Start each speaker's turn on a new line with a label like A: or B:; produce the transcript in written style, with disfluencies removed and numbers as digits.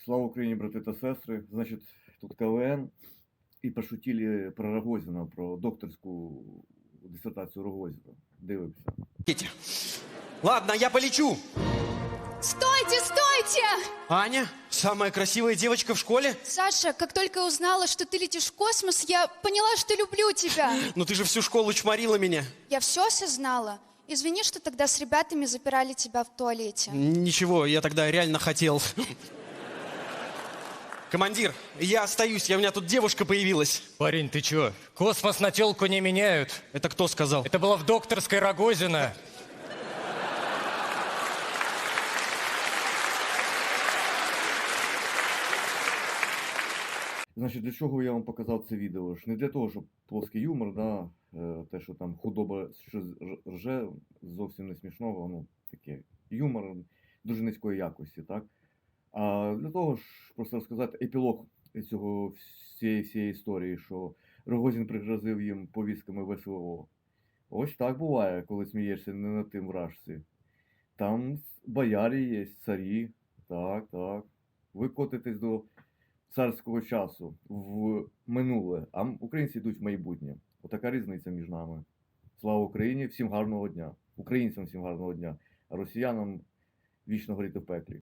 A: Слава Украине, браты та сестры. Значит, тут КВН. І пошутили про Рогозіна, про докторську диссертацию Рогозіна. Дивимося.
B: Ладно, я полечу.
C: Стойте, стойте!
B: Аня, самая красивая девочка в школе?
C: Саша, как только я узнала, что ты летишь в космос, я поняла, что люблю тебя.
B: Но ты же всю школу чморила меня.
C: Я все осознала. Извини, что тогда с ребятами запирали тебя в туалете.
B: Ничего, я тогда реально хотел. Командир, я остаюсь, у меня тут девушка появилась.
D: Парень, ты чё? Космос на тёлку не меняют.
B: Это кто сказал?
D: Это было в докторской Рогозина.
A: Значить, для чого я вам показав це відео? Ж не для того, щоб плоский юмор, да, те, що там худоба щось рже, зовсім не смішного, ну, таке, юмор дуже низької якості, так? А для того ж просто розказати епілог всієї історії, що Рогозін пригрозив їм повістками ВСО. Ось так буває, коли смієшся не над тим вражці. Там боярі є, царі, так, так. Ви котитесь до царського часу в минуле, а українці йдуть в майбутнє. Отака різниця між нами. Слава Україні, всім гарного дня. Українцям всім гарного дня, а росіянам вічно горіти в пеклі.